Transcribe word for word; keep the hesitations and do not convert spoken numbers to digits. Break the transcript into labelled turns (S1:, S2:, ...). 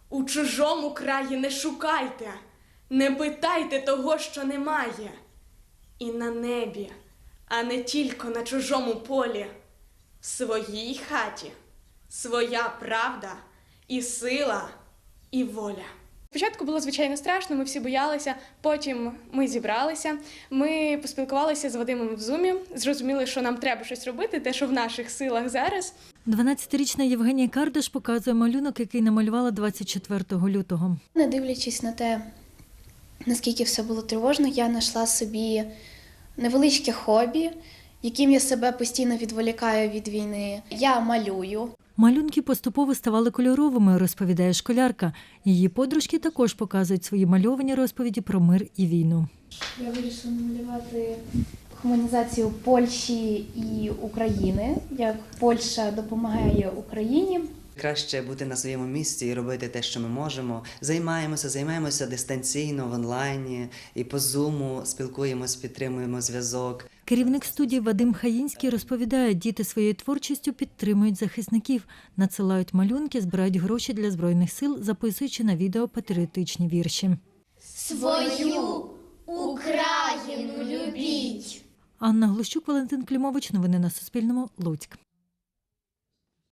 S1: У чужому краї не шукайте, не питайте того, що немає. І на небі, а не тільки на чужому полі, в своїй хаті своя правда і сила, і воля.
S2: Спочатку було, звичайно, страшно, ми всі боялися, потім ми зібралися, ми поспілкувалися з Вадимом в Зумі, зрозуміли, що нам треба щось робити, те, що в наших силах зараз.
S3: дванадцятирічна Євгенія Кардаш показує малюнок, який намалювала двадцять четвертого лютого.
S4: Не дивлячись на те, наскільки все було тривожно, я знайшла собі невеличке хобі, яким я себе постійно відволікаю від війни. Я малюю.
S3: Малюнки поступово ставали кольоровими, розповідає школярка. Її подружки також показують свої мальовані розповіді про мир і війну.
S4: Я вирішила намалювати гуманізацію Польщі і України, як Польща допомагає Україні.
S5: Краще бути на своєму місці і робити те, що ми можемо. Займаємося, займаємося дистанційно, в онлайні, і по Зуму спілкуємось, підтримуємо зв'язок.
S3: Керівник студії Вадим Хаїнський розповідає, діти своєю творчістю підтримують захисників, надсилають малюнки, збирають гроші для Збройних сил, записуючи на відео патріотичні вірші.
S6: Свою Україну любіть!
S3: Анна Глущук, Валентин Клімович. Новини на Суспільному. Луцьк.